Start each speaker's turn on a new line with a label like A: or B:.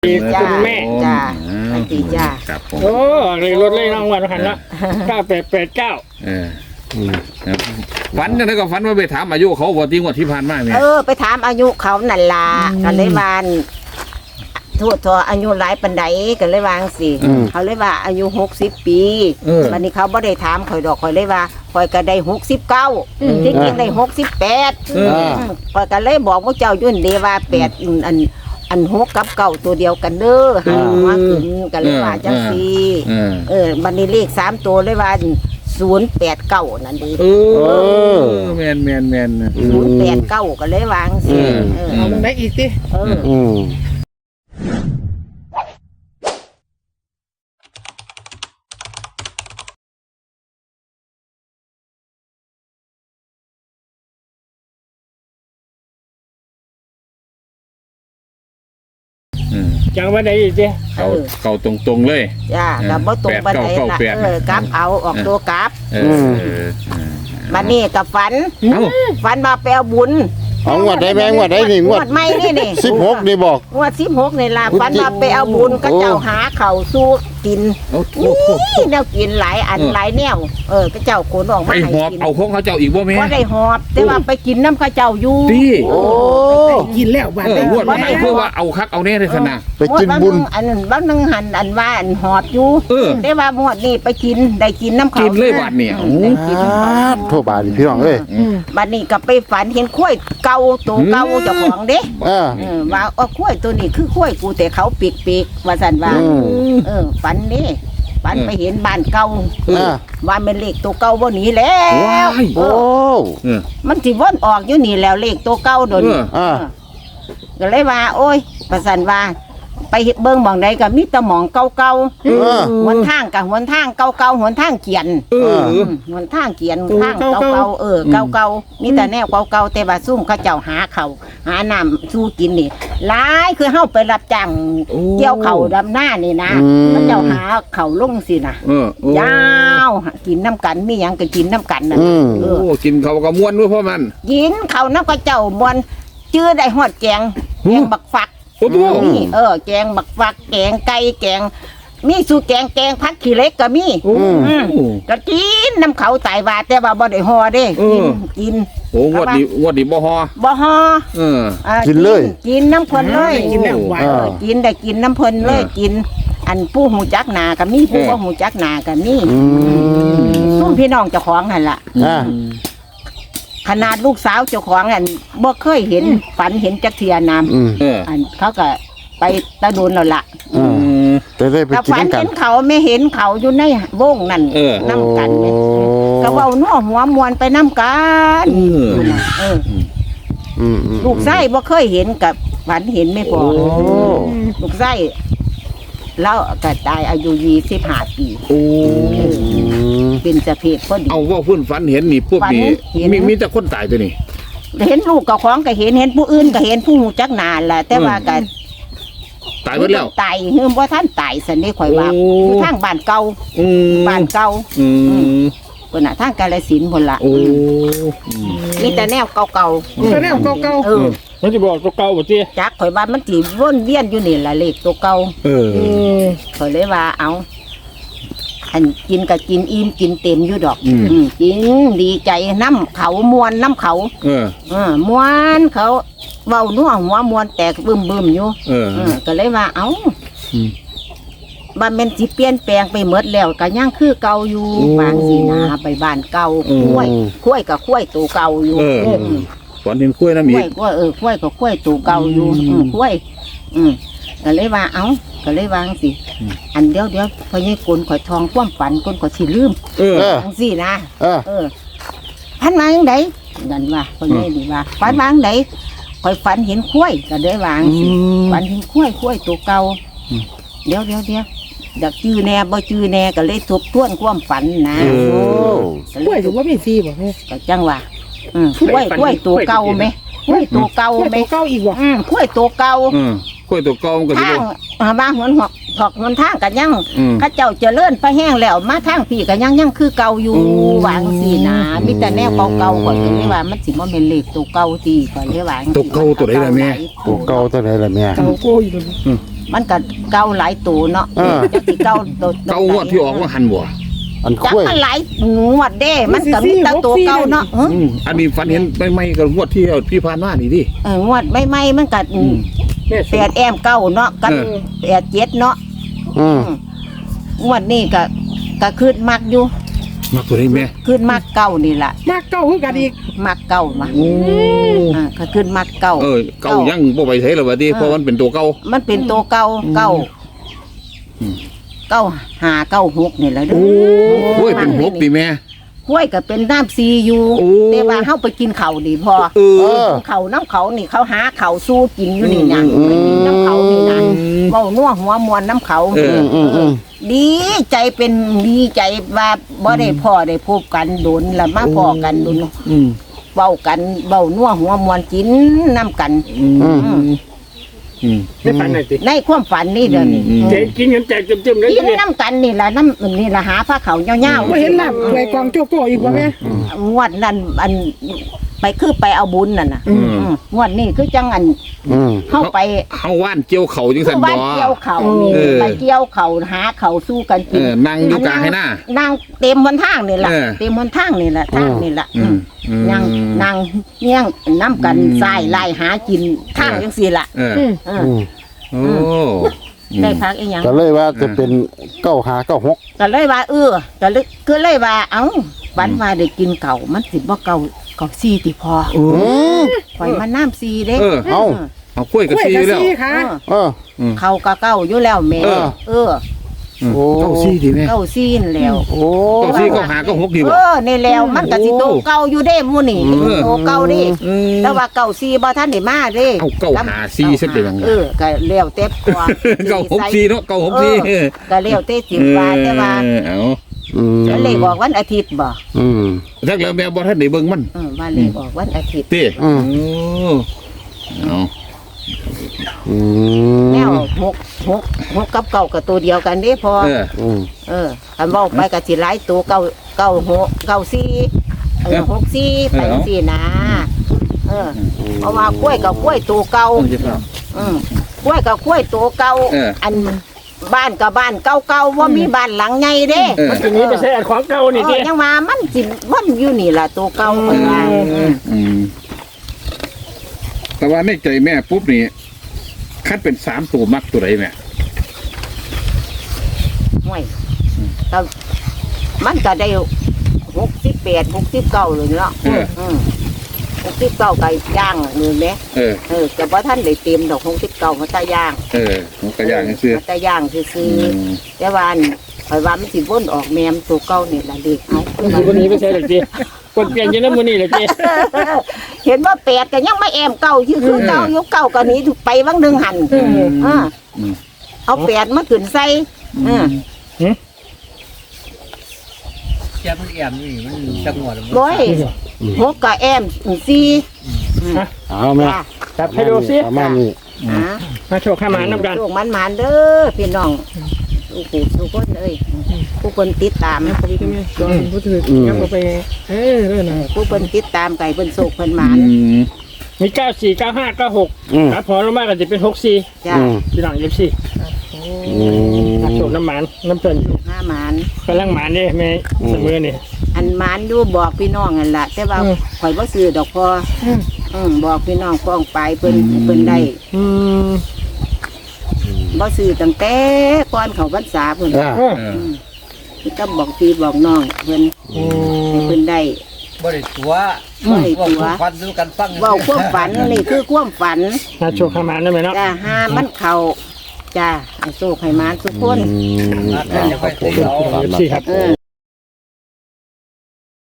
A: คุณแม่
B: จ้าสวัสดีจ้า
C: ครับผม
A: โอ้เลยรถเลยรางวัลหันละ9889
C: ครับฝันจังได๋ก็ฝันว่าไปถามอายุเขาบ่ที่งวดที่ผ่านมาเนี่ย
B: ไปถามอายุเขานั่นล่ะกันเลยวานทั่วทออายุหลายปันใดกันเลยวางสิเขาเลยว่าอายุ60 ปีวันนี้เขาบ่ได้ถามข่อยดอกข่อยเลยว่าข่อยก็ได้69ที่จริงได้68ข่อยก็เลยบอกว่าเจ้ายุ่นเดว่า8อัน6กับ9ตัวเดียวกันเด้อหามาขึ้นกันเลยว่าจังซี่บัดนี้เลข3ตัวเลยว่า089นั่นดี
C: แม่น
B: 089ก็เลยวางสิ
A: เอามันได้อีกสิจังว่าได้อีกสิ
C: เก่าตรงๆเลย
B: จ้าก็บ่ตรงปานใดล่ะกลับเอาออกตัวกลับบัดนี้ก็ฝันมาแปลบุญ
D: เอางวดได้แม่งวดได้นี่งวด
B: ไม่นี่
D: 16นี่บอก
B: งวด16นี่ล่ะฝันมาไปเอาบุญก็เจ้าหาข้าวสู้กินนี่แนวกินหลายอันหลายแนวก็เจ้าขนออกมาให้
C: กินเอาของเขาเจ้าอีกบ่แม่
B: บ่ได้หอบแต่ว่าไปกินน้ำข้าเจ้าอยู่
A: กินแล้วบาด
C: ได้งวดมาเพื่อว่าเอาคักเอาแน่เลยซะนะ
D: ไปกินบุญ
B: อันบางนึงหันอันว่าอันหอบอยู่ได้ว่าหมดนี่ไปกินได้กินน้ำเขา
C: กินเลยบาดเนี่ย
D: โทษบาดพี่น้องเอ้ย
B: บัดนี้ก็ไปฝันเห็นข้วยเก่าตัวเก่าเจ้าของเด้ว่าข้วยตัวนี้คือข้วยกูแต่เขาปีกว่าสันว่าฝันนี่ฝันไปเห็นบ้านเก่าว่าเป็นเลขตัวเก่าบ่หนีแล้ว
D: โอ้
B: มันสิวนออกอยู่นี่แล้วเลขตัวเก่าโดนก็เลยว่าโอ้ยว่าสันว่าไปเบิ่งหม่องใดก็มีแต่หม่องเก่าๆหนทางกับหนทางเก่าๆหนทางเกียนหนทางเกียนทางเก่าๆเก่าๆมีแต่แนวเก่าๆแต่ว่าซุ่มเขาเจ้าหาเขาหาน้ำสู้กินนี่หลายคือเฮาไปรับจ้างเกี่ยวเข่าดำหน้านี่นะเขาเจ้าหาเข่าลงสินะยาวกินน้ำกันมีหยังก็กินน้ำกันน่ะ
C: กินเขาก็ม่วนด้วยเพราะมัน
B: กินเขาน้ำเขาเจ้ามวนชื่อได้ฮอดแกงบักฟักนี่แกงบักฟักแกงไก่แกงมีสูตรแกงพักขี้เล็กก็มีก็กินน้ำเขาตายว่าแต่ว่าบ่ได้ห่อเด้กิน
C: โอ้วัดดีบ่ห่อ
D: กินเลย
B: กินน้ำเพลินเลยกินแล้วหวานกินได้กินน้ำเพลินเลยกินอันผู้หูจักหนาก็มีผู้บ่หูจักหนาก็มีซุ่มพี่น้องเจ้าของนั่นล่ะขนาดลูกสาวเจ้าของอันบ่เคยเห็นฝันเห็นจักเทียนามอันเขาก็ไปตะโดนแล้วล่ะ
D: แต่ได้ไปกินกัน
B: ฝันเห็นเขาไม่เห็นเขาอยู่ในวงนั่นน้ำกันก็เว้านัวหัวมวนไปน้ำกันลูกไส้บ่เคยเห็นกับฝันเห็นไม่พอลูกไส้แล้วก็ตายอายุ25 ปีเป็นสะเพศพอดี
C: เอาว่าพุ่นฝันเห็นนี่พวกนี้มีแต่คนตายตัวนี้
B: เห็นลูกกับของก็เห็นผู้อื่นก็เห็นผู้หูจักนานแหละแต่ว่าก็
C: ตายหมดแล้ว
B: ตายคือว่าท่านตายสันนี่ข่อยว่าคือทางบ้านเก่าเพิ่นน่ะทางกาฬสินธุ์พุ่นล่ะมีแต่แนวเก่า
A: แต่แนวเก่ามันสิบอกตัวเก่าบ่ติ
B: จักข่อยว่ามันสิวนเวียนอยู่นี่ล่ะเลขตัวเก่าข่อยเลยว่าเอาอันกินก็กินอิ่มกินเต็มอยู่ดอกกินดีใจน้ำเขามวนน้ำเขามวนเขาเว้านัวหัวมวนแตกบึ้มอยู่ก็เลยว่าเอาบ้านเป็นสิเปลี่ยนแปลงไปหมดแล้วก็ยังคือเก่าอยู่บางสินะไปบ้านเก่าคุ้ยกับคุ้ยตัวเก่าอยู่
C: ฝันเห็นคุ้ยน้ำอีก
B: คุ้ยกับคุ้ยตัวเก่าอยู่คุ้ยก็เลยว่าเอาก็เลยวางสิอันเดี๋ยวพอยี่กลข่อยทองคว่ำฝันกลข่อยสิลืมสินะพันวางไหนนั่นว่าพอยี่ดีว่าฝันวางไหนข่อยฝันเห็นคุ้ยก็เลยวางสิฝันเห็นคุ้ยตัวเก่าเดี๋ยวอยากจื้อแน่บ่จื้อแน่ก็เลยทบทวนความฝันนะ
A: คุ้ยถือว่ามีซีบ่
B: ก็จังว่าคุ้ยตัวเก่าไหมคุ้ยตัวเก่าไหม
A: เก่าอีกว่ะ
B: คุ้ยตัวเก่า
C: คุ้ยตัวเก่ามันก็
B: ทางมาหัวทางกันยังข้าเจ้าเจริญไปแห้งแล้วมาทางพี่กันยังคือเก่าอยู่วางสีนะมีแต่แนวเก่าก่อนที่ว่ามันสิบ่แม่นเลขตัวเก่าตีก่อนที่วาง
C: ตัวเก่าตัวไหนล่ะแม่
D: ตัวเก่าตัวไหนล่ะแม่
A: เก่าโก้อยู่
B: มันก็เก่าหลายตัวเนาะจักสิเก่าตัว
C: เก่างวดที่ออกว่าหันบ่
D: อัน
B: จัก
D: คุ้ย
B: มันหลายงวดเด้มันก็มีแต่ตัวเก่าเนาะ
C: อันนี้ฝันเห็นไม่กับงวดที่ผ่านมานี่ดิ
B: งวดใหม่ๆมันก็
A: แม่
B: แปดแอมเก้าเนาะกับแปดเจ็ดเนาะ งวดนี้ก็ขึ้นมักอยู่
C: มาตัวนี้แม่
B: ขึ้นมักเก้านี่ล่ะ
E: มากเก้าคือกันอีก
B: มักเก้ามาก็ขึ้นมักเก้า
C: เก่ายังบ่ไปใช้แล้วบัดนี้เพราะมันเป็นตัวเก่า
B: มันเป็นตัวเก้าเก้าเก้าหาเก้าหกนี่แหละเด้อ
C: โอ้ยเป็นหกดิแม่
B: ห้วยก็เป็นน้ำซีอยู่
C: โอ้
B: แต่ว่าเฮาไปกินข้าวนี่พอ เขาน้ำเขานี่เขาหาเขาสู้กินอยู่นี่นะไปกินน้ำเขานี่นะเว้านัวหัวมวนน้ำเขาดีใจเป็นดีใจว่าบ่ได้พ่อได้พบกันโดนแล้วมาพ่อกันโดนเว้ากันเว้านัวหัวมวนกินน้ำกัน
A: ไม่ฝันหน่อยสิ
B: ในความฝันนี่เดี๋ยวนี้
A: เจ๊กินเงินแจกจุ่มๆเลย
B: กินน้ำกันนี่ละน้ำนี่ละหาผ้าเขาวเงา
E: บ่เห็นลาบถวยกองโจโก้อีกบ่แม่
B: งวดนั้นอันไปคือไปเอาบุญนั่นน่ะงวดนี้คือจังอันเข้าไป
C: เฮาว่านเกี่ยวเข่าจังซั่น
B: บ้า
C: บ่
B: นเกี่ยวเขานี่ไปเกี่ยวเขาหาเขาสู้กันกิน
C: นั่งอยู่กลางให้หน้า
B: นั่งเต็มบนทางนี่แหละเต็มบนทางนี่แหละทางนี่แหละนั่งเงี้ยงน้ำกันทรายไล่หากินทางจังสี่ละ
C: โอ้
B: ได้พักอีหยัง
D: ก็เลยว่าจะเป็น9596
B: ก็เลยว่าก็เลยคือเลยว่าเอ้าวันมาได้กินเก่ามันสิบ่เก่าซีติพอข่อยมาน้ำซีเด้
C: เอากล้วยกับ
E: กล้วย
C: ซี
E: กับ
C: แล้ว
E: ซีค่ะ
B: เขาก็เก่าอยู่แล้วแม่
C: เก้าซีดีแม่
B: เก่าซีนแล้ว
D: โอ้
C: เก้าซีก็หาก็หกดีบ่
B: นี่แล้วมันก็สิโตเก่าอยู่เด้หมู่นี่โตเก่าดิแต่ว่าเก่าซีบ่ทันได้มาเด้
C: เอาเก้าหาซีซะเป็นยังไง
B: ก็แล้วแต่พอ
C: เก้าหกซีเนาะเก้าหกซี
B: ก็แล้วแต่สิว่าแต่ว่า
C: เอา
B: จะเลขออกวันอาทิตย์บ่
C: จักแล้วแม่บ่ทันได้เบิ่งมัน
B: ว่าเลขออกวันอาทิตย์
C: เต้เอา
B: แนวหกกับเก่ากับตัวเดียวกันเด้พอคันเว้าไปก็สิหลายตัวเก้าหกเก้าสี่หกสี่ไปสี่นะเพราะว่ากล้วยกับกล้วยตัวเก่ากล้วยกับกล้วยตัวเก่าอันบ้านกับบ้านเก่าๆว่ามีบ้านหลังใหญ่เด้
A: มันทีนี้ไปใช้อันของเก่านี่ดิ
B: ยังมามันสิมันอยู่นี่ล่ะตัวเก่าคนว่า
C: แต่ว่าในใจแม่ปุ๊บนี่คัดเป็น3ตัวมักตัวใดแม่
B: ห่วยแต่มันก็ได้68 69เลยเนาะ69ก็ย่างนี่แหมแต่ว่าท่านได้เต็มดอก69มันตะย่าง
C: มันก็อย่างซื่อ
B: ตะย่างซื่อแต่ว่าข่อยว่ามันสิวนออกแมมตัวเก่านี่ล่ะเด็กเอา
A: วันนี้ไปใช้หรือจีคนเปลี่ยนยังนั้นวันนี้หรือจี
B: เห็นว่า8ก็ยังไม่แอมเก่าคือเก่าอยู่เก่าก็หนีไปวังนึงหั่นเอา8มาขึ้นใส่
F: แค่มันแอมนี่มันจังหวะมัน
B: บ่ย6ก็แอม4
D: เอาแม่
A: จับให้ดูสิ
D: ประมาณนี้
A: มาโชว์ข้ามาน้ำกัน
B: ลูกมันเด้อพี่น้องทุกคนเอ้ยผู้คนติดตาม
A: ก่อนพูดถึงงั้นเราไปเรื่องนะ
B: ผู้คนติดตามไก่เพิ่นโศกเพิ่นหมาน
A: มี94 95 96ครับพอลงมาก็จะเป็น64
B: จ้า
A: พี่น้อง24โชว์น้ำมันน้ำเพิ่น
B: ห้าหมาน
A: กำลังหมานนี่แม่เสมอนี่
B: อันหมานอยู่บอกพี่น้องนั่นล่ะแต่ว่าข่อยบ่ซื้อดอกพอบอกพี่น้องฟ้องไปเพิ่นได้บ่ซื้อตั้งแต่ก่อนเข้าพรรษาเพิ่นพี่ก็บอกพี่บอกน้องเพิ่นได้
F: บ่ได้ตัว
B: บ่ได้ตัว
F: ฟันดูกันฟัง
B: เว้าความฝันนี่คือความฝัน
A: มาโชว์ข้ามาได้ไหมเนาะ
B: จ้าห้ามันเข้าจ้าให้โชคให้หมานทุกคน
F: จะไปตีเอา
A: 24ครับ